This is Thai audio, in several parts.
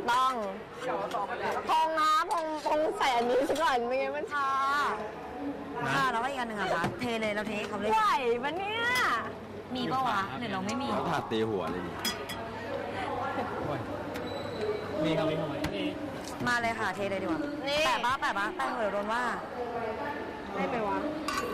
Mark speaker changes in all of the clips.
Speaker 1: ต้องพงนะพงใส่อันนี้ซะก่อนไม่งั้นมันชา
Speaker 2: แล้วก็อีกอันหนึ่งอะคะเทเลยเราเทให้เขาเลย
Speaker 1: ไหวปะเนี่ย
Speaker 2: มีปะวะหรือเราไม่มี
Speaker 3: เขาถาดตีหัวเลยนี่
Speaker 4: มีครับมี
Speaker 2: มาเลยค่ะเทเลยดีกว่าแปะปะแปะเหอะโดนว่า
Speaker 1: ไม่ไปวะ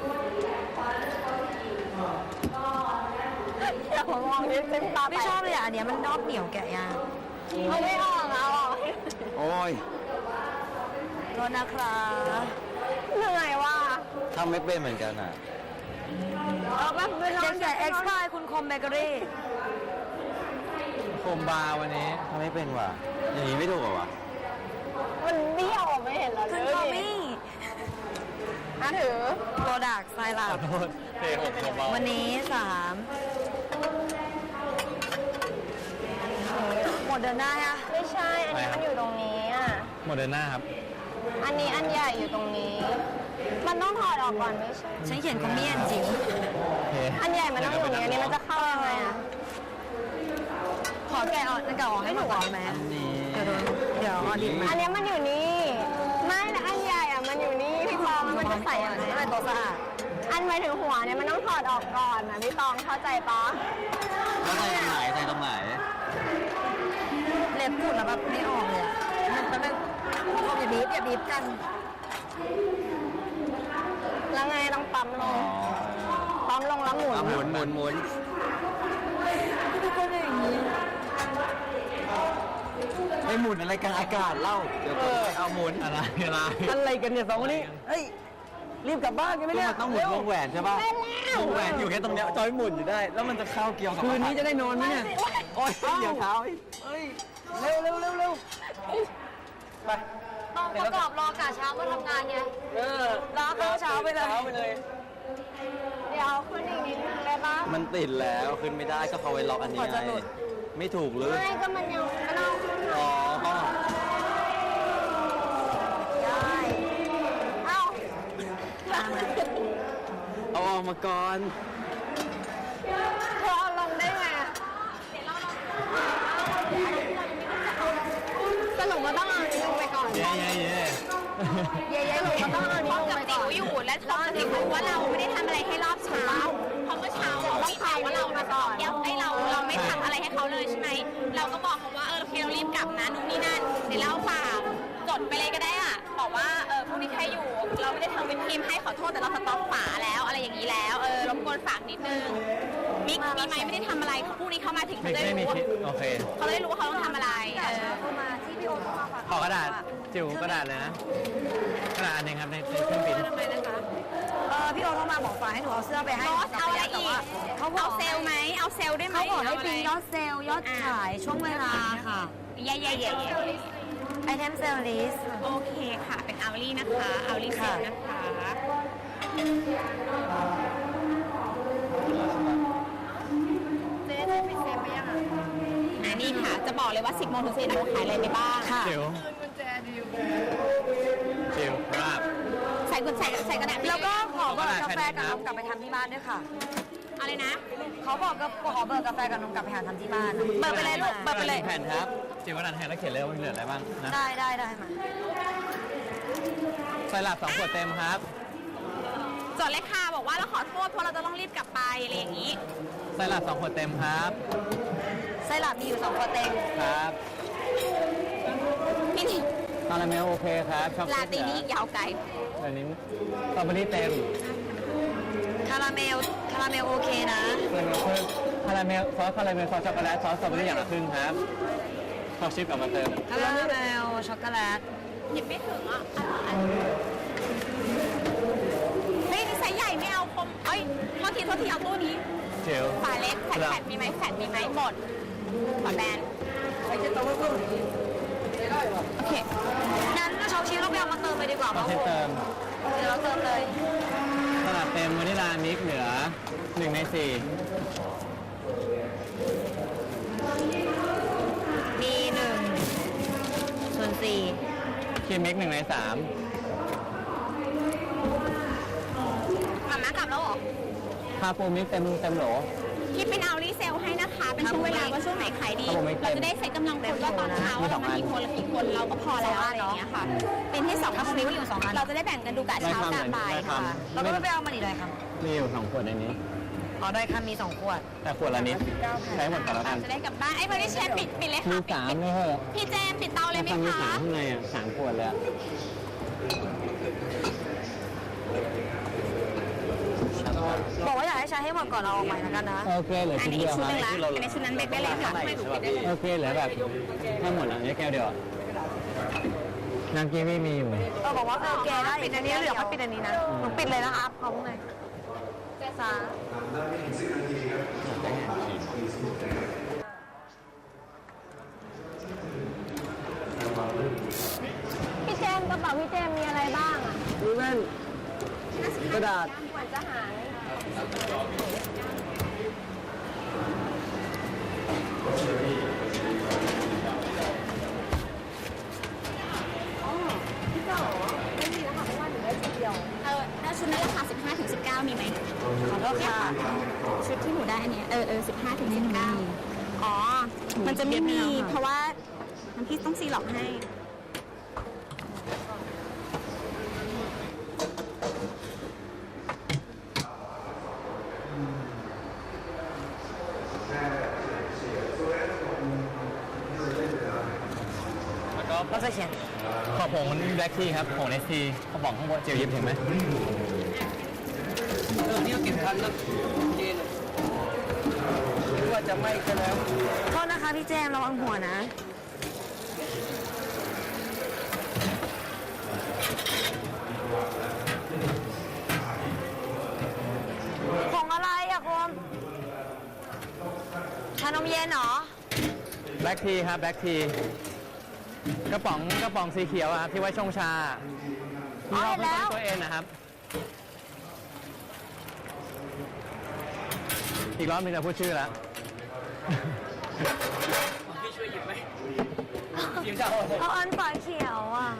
Speaker 1: อย่ามามองนิดเต็มตา
Speaker 2: ไม่ชอบเลยอ่ะอันเนี้ยมันนอกเหนียวแกะยาง
Speaker 1: เอาไม่ออกเอาออก
Speaker 3: โอ้ย
Speaker 2: โทษนะครับ
Speaker 1: เหนื่อยว่ะ
Speaker 3: ทำไม่เป็นเหมือนกันอ่ะ
Speaker 1: เอาแบบเวลา
Speaker 2: เด็กใหญ่เอ็กซ์พายคุณคมเบเกอรี่
Speaker 4: โคมบาร์วันนี้
Speaker 3: ทำไม่เป็นว่ะอย่างนี้ไม่ถูกเหรอวะ
Speaker 1: มันเบี้ยวไม่เห็นแล้ว
Speaker 2: คุณคอมมี่
Speaker 1: ถือ
Speaker 2: โปรดักต์ไซรัป
Speaker 4: เทหกโคมบาร์
Speaker 2: วันนี้3หมดเดินได้อะ
Speaker 1: ไม่ใช่อันนี้มันอยู่ตรงนี้อ่ะ
Speaker 4: โมเดอร์นาครับ
Speaker 1: อันนี้อันใหญ่อยู่ตรงนี้มันต้องถอดออกก่อนไม่ใช่
Speaker 2: ฉันเขียนคอมมี่จริง
Speaker 1: อันใหญ่มันต้องอยู่ตรงนี้อันนี้มันจะเข้ายังไงอ่ะ
Speaker 2: ขอแกะออกนั่นแกะออกให้หนูก่อนไหมเดี๋ยวออดิบมา
Speaker 1: อันนี้มันอยู่นี่ไม่นะอันใหญ่อ่ะมันอยู่นี่พี่ตองมันจะใส่อะไร
Speaker 2: ให้มันตัวสะอาด
Speaker 1: อันหมายถึงหัวเนี่ยมันต้องถอดออกก่อนนะพี่ตองเข้าใจปะ
Speaker 3: แล้วใส่ตรงไหนใส่ตรงไหน
Speaker 2: เล็บขุดแล้วแบบไม่ออกเลยมันจะไม่อย่าบีบกัน
Speaker 1: แล้วไงต้องปั๊มลงแล้วหมุน
Speaker 2: ทุกคนอย่างนี้
Speaker 3: ไม่หมุนอะไรกลางอากาศเล่าเดี๋ยวเอาหมุน
Speaker 4: อะไรกันเนี่ยสองคนนี้เฮ้ยรีบกลับบ้านกันไหมเนี่ย
Speaker 3: ต้องหมุนวงแหวนใช่ป่ะวงแหวนอยู่แค่ตรงเนี้ยจอยหมุนอยู่ได้แล้วมันจะเข้าเกี่ยวกับ
Speaker 4: คืนนี้จะได้นอนไหมเนี่ย
Speaker 3: โอ๊ยเดี๋ยวเท้า
Speaker 4: เฮ้ยเร็วไป
Speaker 2: ต้องประกอบรอกะเช้ามาทำงานไงรอเข้าเช้าไปเลย
Speaker 1: เดี๋ยวขึ้นอีกนิดนึงได้ปะ
Speaker 3: มันติดแล้วขึ้นไม่ได้ก็เขาไว้ล็อกอันนี้ไงไม่ถูกเลย
Speaker 1: ไม่ก็มันยังไม่ต้องขึ้น
Speaker 3: อ๋อ
Speaker 1: ได้เอา
Speaker 3: ออกมาก่อน
Speaker 1: เธอเอาลงได้ไงสรุปว่าต้องเอานี้ลงไปก่อน
Speaker 4: เย่
Speaker 1: สรุปว่าต้องเอานี้ลงไปก่อน
Speaker 5: อยู่และทอมจะรู้ว่าเราไม่ได้ทำอะไรให้รอบเช้าเพราะเมื่อเช้าเราไม่ข่าวว่าเรามาต่อเดี๋ยวเราไม่ทำอะไรให้เขาเลยใช่ไหมเราก็บอกเขาว่าโอเคเรารีบกลับนะนู่นนี่นั่นเดี๋ยวเราฝากจดไปเลยก็ได้อ่ะบอกว่าพรุ่งนี้ใครอยู่เราไม่ได้ทำเป็นทีมให้ขอโทษแต่เราสต็อกฝาแล้วอะไรอย่างนี้แล้วรบกวนฝากนิดนึงมีไหมไม่ได้ทำอะไรพรุ่งนี้เขามาถึงเขาจะได้รู้
Speaker 4: โอเค
Speaker 5: เขาจะได้รู้ว่าเขาต้องทำอะไร
Speaker 2: เข้ามาที่พี่โอ๊ตเข้ามา
Speaker 4: ขอกระดาษจิ๋วกระดาษเลยนะกระดาษอันนึงครับในเครื่องบิน
Speaker 2: ทำไมนะคะพี่โอ๊ตเข้ามาบอกฝากให้หนูเอาเสื้อไปให้
Speaker 5: เอาอะไรอีกเขาเอาเซลไหมเอาเซลได้ไหม
Speaker 2: เขาบอกให้พิมพ์ยอดเซลยอดขายช่วงเวลาค่ะ
Speaker 5: เย่
Speaker 2: ไอเทมเซลลิส
Speaker 5: โอเคค่ะเป็นเอาลี่นะคะเอาลี่เซลนะคะ
Speaker 1: เจ๊ได้ไปเซฟไปยังอ่ะ
Speaker 5: นี่ค่ะจะบอกเลยว่า 10 โมงถึง11 โมงขายอะไรไปบ้าง
Speaker 4: จิ๋วครับ
Speaker 5: ใส่กระดาษ
Speaker 2: แล้วก็ขอเบอร์กาแฟกับนมกลับไปทำที่บ้านด้วยค่ะ
Speaker 5: อะไรนะ
Speaker 2: เขาบอกก็ขอเบอร์กาแฟกับนมกลับไปหาทำที่บ้าน
Speaker 5: เบอร์ไปเลยลูกเบอร์ไปเลย
Speaker 4: แผ่นครับจิ๋วกระดาษแผ่นแล้วเขียนเลยว่ามีเหลืออะไรบ้างนะ
Speaker 2: ได้มา
Speaker 4: ใส่หลับ2 ขวดเต็มครับ
Speaker 5: จดเลยค่ะบอกว่าเราขอโทษเพราะเราจะต้องรีบกลับไปอะไรอย่างนี้
Speaker 4: ใส่หลับ2 ขวดเต็มครับ
Speaker 2: ไส้หลับมีอยู่2 ขวดเต็ม
Speaker 4: ครับ
Speaker 5: พี่นี่
Speaker 4: คาราเมลโอเคครับช็อกโกแลต
Speaker 5: ลาตีนี้ยาวไกล
Speaker 4: อันนี้สตรอเบอรี่เต็ม
Speaker 2: คาราเมลโอเคนะ
Speaker 4: คาราเมลซอสช็อกโกแลตซอสสตรอเบอรี่อย่างละครึ่งครับช็อกชิปเอามาเติม
Speaker 2: คาราเมลช็อกโกแลต
Speaker 5: หยิบไม่ถึงอ่ะเฮ้ยนี่ไซส์ใหญ่ไม่เอาคมเอ้ยโทษทีเอาตู้นี้ฝาเล็กแฟดมีไหมหมดฝาแบนโอเค
Speaker 2: นั้นช็อกชิปเราไปเอามาเติมไปดีกว่าเพราะผมเดี๋ยวเราเติมเลย
Speaker 4: สลัดเต็มวานิลามิกเหลือ1 ใน 4
Speaker 2: มี1/4
Speaker 4: ครีมมิก1 ใน 3
Speaker 5: กลับแล้วเหรอ
Speaker 4: คาปูมิกเต็มโหล
Speaker 5: คิดเป็นเอารีเซลให้นะคะเป็นช่วงเวลาว่าช่วงไหนขายดีเราจะได้ใช้กำลังคนว่าตอนเช้าเรามากี่คนละกี่คนเราก็พอแล้วอะไรอย่างเงี้ยค่ะ เป็นที่2คนอยู่2อันเราจะได้แบ่งกันดูกะเช้ากะบ่ายค่ะ
Speaker 2: เราก็ไม่ไปเอามาอีกเลยครับ
Speaker 4: มีอยู่2 ขวดในนี้
Speaker 2: อ๋อได้ค่ะมี2 ขวด
Speaker 4: แต่ขวดละนิดใช้หมดก่อนแล้วกัน
Speaker 5: จะได้กลับบ้านไอ้พอดีเชฟปิดเลย
Speaker 4: มี
Speaker 5: ค่ะ
Speaker 4: 3ไม่ใช่เหรอ
Speaker 5: พี่เจมปิดเตาเลยไหม
Speaker 4: มี
Speaker 5: คะ
Speaker 4: 3ข้างในอ่ะ3 ขวดเลยอะ
Speaker 2: บอกว่าอยากให้ใช้ให้หมดก่อนเราออกใหม่แล้วกันนะ
Speaker 4: โอเคเหลือ
Speaker 5: อัน
Speaker 4: ชิ้น
Speaker 5: นี้
Speaker 4: เดี
Speaker 5: อี
Speaker 4: ย
Speaker 5: ก
Speaker 4: ว
Speaker 5: ชุด
Speaker 4: ค
Speaker 5: ห
Speaker 4: รับ
Speaker 5: นึงละอันนี้ชุดนั้นเบรกได้เลยค่ะ
Speaker 4: โอเคเหลือแบบให้หมดแล้วนี่แก้วเดียวอะน้ำกีวีมีอยู่
Speaker 2: บอกว่าโอเคได้ปิดอันนี้เหลือไม่ปิดอันนี้นะหนูปิดเลยนะครับพร้อมเลยจ้า
Speaker 1: พี่เจมส์กระเป๋าพี่เจมส์มีอะไรบ้างอ่ะ
Speaker 3: มีแว่นกระดาษ
Speaker 1: เหมือนจะหาย
Speaker 5: แล้วชุดนั้นราคา15 ถึง 19 มีไหม
Speaker 2: ขอโทษค่ะ
Speaker 5: ชุดที่หนูได้อันเนี้ย15 ถึง 19 อ๋อ มันจะไม่มี เพราะว่าน้ำพี่ต้องซีล็อกให้
Speaker 2: เราจะเขียน
Speaker 4: ขอผงแบล็คทีครับผงเนสทีกระป๋องข้างบนเจียวยิบเห็นไหม
Speaker 3: นี่ก็กินทันนะเย็นหรือว่าจะไม่ก็แล้ว
Speaker 2: โทษนะคะพี่แจมระวังหัวนะ ของอะไรอะคุณชานมเย็นเหรอ
Speaker 4: แบล็คทีครับแบล็คทีกระป๋องสีเขียวอะครับที่ไว้ชงชาที่เรา
Speaker 2: เห็นแล้ว
Speaker 4: ตัวเองนะครับ อีกรอบนึงจะพูดชื่อแล้ว
Speaker 3: พี่ช่วยหยิบไหมหยิบเจ้า
Speaker 2: เอาอันฝาเขียวอ่ะ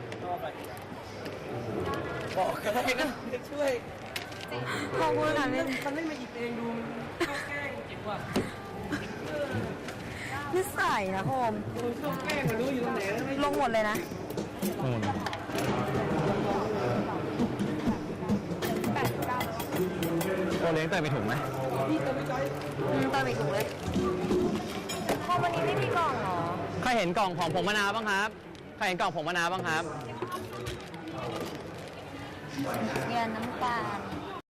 Speaker 3: บอกก็ได้นะช่วย
Speaker 2: ขอบคุณค่ะพี่
Speaker 3: มันไม่มาหยิบเองดูมันแกล้งจิบว่ะ
Speaker 2: นิสัยนะโฮม
Speaker 3: มันเข้าแกล้งมันรู้อยู่ตรงไหนแล้วไม่
Speaker 2: ลงหมดเลยนะ
Speaker 4: โอเลี้ยงเตยไปถุงไหม
Speaker 2: เติมอีกถุงเลยโฮมวันนี้ไม่มีกล่องเหรอ
Speaker 4: ใครเห็นกล่องของผงมะนาวบ้างครับใครเห็นกล่องผงมะนาวบ้างครับ
Speaker 2: เงินน้ำตาล